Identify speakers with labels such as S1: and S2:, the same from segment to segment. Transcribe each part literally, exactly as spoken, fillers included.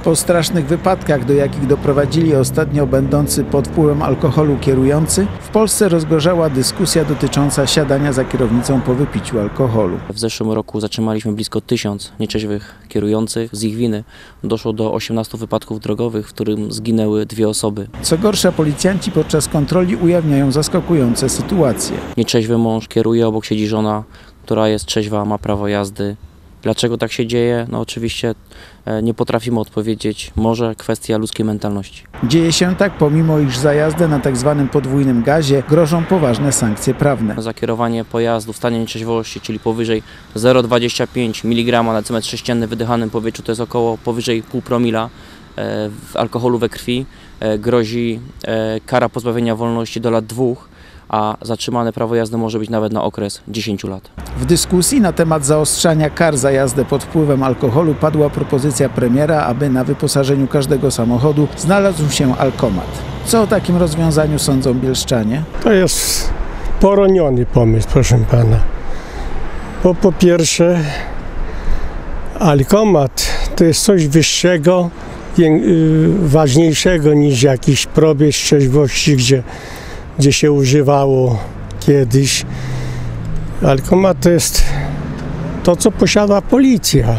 S1: Po strasznych wypadkach, do jakich doprowadzili ostatnio będący pod wpływem alkoholu kierujący, w Polsce rozgorzała dyskusja dotycząca siadania za kierownicą po wypiciu alkoholu.
S2: W zeszłym roku zatrzymaliśmy blisko tysiąc nieczeźwych kierujących. Z ich winy doszło do osiemnastu wypadków drogowych, w którym zginęły dwie osoby.
S1: Co gorsza, policjanci podczas kontroli ujawniają zaskakujące sytuacje.
S2: Nieczeźwy mąż kieruje, obok siedzi żona, która jest trzeźwa, ma prawo jazdy. Dlaczego tak się dzieje? No oczywiście nie potrafimy odpowiedzieć. Może kwestia ludzkiej mentalności.
S1: Dzieje się tak, pomimo iż za jazdę na tak zwanym podwójnym gazie grożą poważne sankcje prawne.
S2: Za kierowanie pojazdu w stanie nieczeźwości, czyli powyżej zero przecinek dwadzieścia pięć miligrama na centymetr sześcienny w wydychanym powietrzu, to jest około powyżej pół promila w alkoholu we krwi, grozi kara pozbawienia wolności do lat dwóch, a zatrzymane prawo jazdy może być nawet na okres dziesięciu lat.
S1: W dyskusji na temat zaostrzania kar za jazdę pod wpływem alkoholu padła propozycja premiera, aby na wyposażeniu każdego samochodu znalazł się alkomat. Co o takim rozwiązaniu sądzą bielszczanie?
S3: To jest poroniony pomysł, proszę pana. Bo po pierwsze, alkomat to jest coś wyższego, ważniejszego niż jakiś probierz trzeźwości, gdzie gdzie się używało kiedyś. Alkomat to jest to, co posiada policja.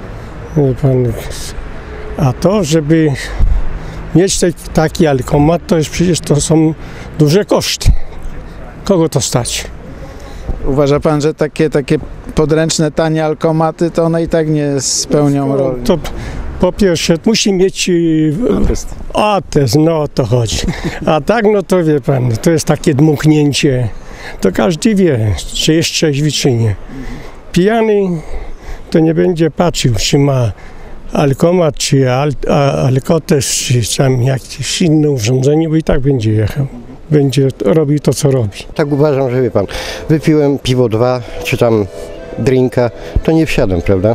S3: A to, żeby mieć taki alkomat, to jest przecież to są duże koszty. Kogo to stać?
S1: Uważa pan, że takie, takie podręczne, tanie alkomaty, to one i tak nie spełnią roli?
S3: To, po pierwsze, musi mieć atest. atest, no o to chodzi. A tak, no to wie pan, to jest takie dmuchnięcie. To każdy wie, czy jest trzeźwy, czy nie. Pijany to nie będzie patrzył, czy ma alkomat, czy al, a, alkotes, czy tam jakieś inne urządzenie, bo i tak będzie jechał. Będzie robił to, co robi.
S4: Tak uważam, że wie pan, wypiłem piwo dwa, czy tam drinka, to nie wsiadam, prawda?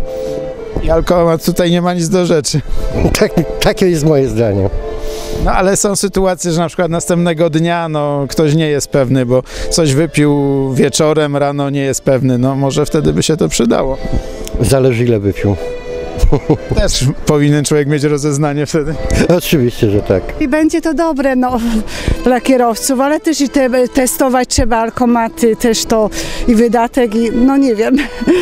S1: I alkomat tutaj nie ma nic do rzeczy.
S4: Tak, takie jest moje zdanie.
S1: No ale są sytuacje, że na przykład następnego dnia no, ktoś nie jest pewny, bo coś wypił wieczorem, rano nie jest pewny. No może wtedy by się to przydało.
S4: Zależy ile wypił.
S1: Też powinien człowiek mieć rozeznanie wtedy.
S4: Oczywiście, że tak.
S5: I będzie to dobre no, dla kierowców, ale też i te, testować trzeba alkomaty, też to i wydatek, i no nie wiem,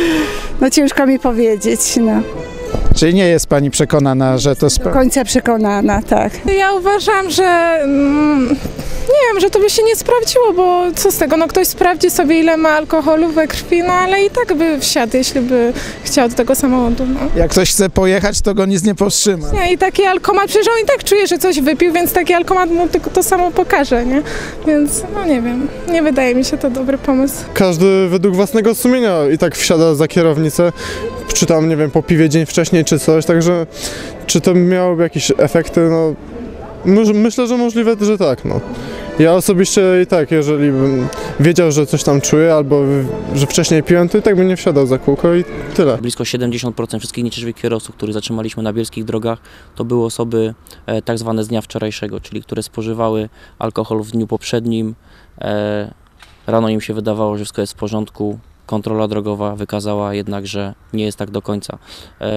S5: no ciężko mi powiedzieć. No.
S1: Czyli nie jest pani przekonana, że to...
S5: Do końca przekonana, tak.
S6: Ja uważam, że mm, nie wiem, że to by się nie sprawdziło, bo co z tego, no ktoś sprawdzi sobie ile ma alkoholu we krwi, no ale i tak by wsiadł, jeśli by chciał do tego samochodu. No.
S1: Jak ktoś chce pojechać, to go nic nie powstrzyma.
S6: Nie, i taki alkomat, przecież on i tak czuje, że coś wypił, więc taki alkomat mu tylko to samo pokaże, nie? Więc no nie wiem, nie wydaje mi się to dobry pomysł.
S7: Każdy według własnego sumienia i tak wsiada za kierownicę, czy tam, nie wiem, po piwie dzień wcześniej, czy coś, także czy to miałoby jakieś efekty, no myślę, że możliwe, że tak, no. Ja osobiście i tak, jeżeli bym wiedział, że coś tam czuję, albo że wcześniej piłem, to i tak bym nie wsiadał za kółko i tyle.
S2: Blisko siedemdziesiąt procent wszystkich nieczeźwych kierowców, których zatrzymaliśmy na bielskich drogach, to były osoby e, tak zwane z dnia wczorajszego, czyli które spożywały alkohol w dniu poprzednim. E, rano im się wydawało, że wszystko jest w porządku. Kontrola drogowa wykazała jednak, że nie jest tak do końca. E,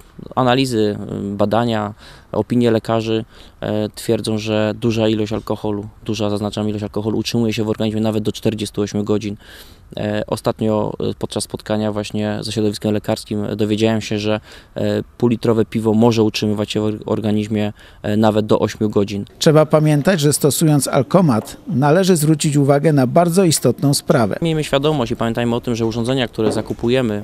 S2: analizy, badania, opinie lekarzy e, twierdzą, że duża ilość alkoholu, duża zaznaczam ilość alkoholu utrzymuje się w organizmie nawet do czterdziestu ośmiu godzin. E, ostatnio podczas spotkania właśnie ze środowiskiem lekarskim dowiedziałem się, że e, półlitrowe piwo może utrzymywać się w organizmie e, nawet do ośmiu godzin.
S1: Trzeba pamiętać, że stosując alkomat należy zwrócić uwagę na bardzo istotną sprawę.
S2: Miejmy świadomość i pamiętajmy o tym, że urządzenia, które zakupujemy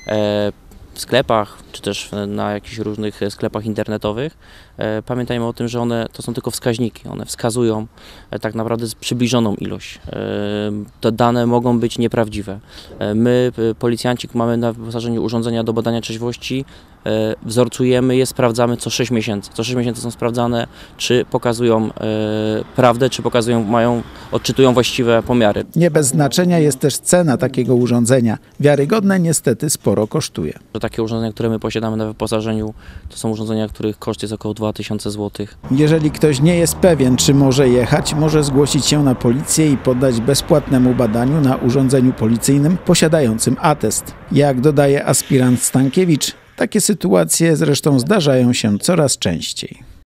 S2: e, w sklepach, czy też na jakichś różnych sklepach internetowych, e, pamiętajmy o tym, że one to są tylko wskaźniki, one wskazują e, tak naprawdę przybliżoną ilość. E, te dane mogą być nieprawdziwe. E, my, policjanci, mamy na wyposażeniu urządzenia do badania trzeźwości, e, wzorcujemy je, sprawdzamy co sześć miesięcy. Co sześć miesięcy są sprawdzane, czy pokazują e, prawdę, czy pokazują, mają, odczytują właściwe pomiary.
S1: Nie bez znaczenia jest też cena takiego urządzenia. Wiarygodne niestety sporo kosztuje.
S2: Takie urządzenia, które my posiadamy na wyposażeniu, to są urządzenia, których koszt jest około dwa tysiące złotych.
S1: Jeżeli ktoś nie jest pewien, czy może jechać, może zgłosić się na policję i poddać bezpłatnemu badaniu na urządzeniu policyjnym posiadającym atest. Jak dodaje aspirant Stankiewicz, Takie sytuacje zresztą zdarzają się coraz częściej.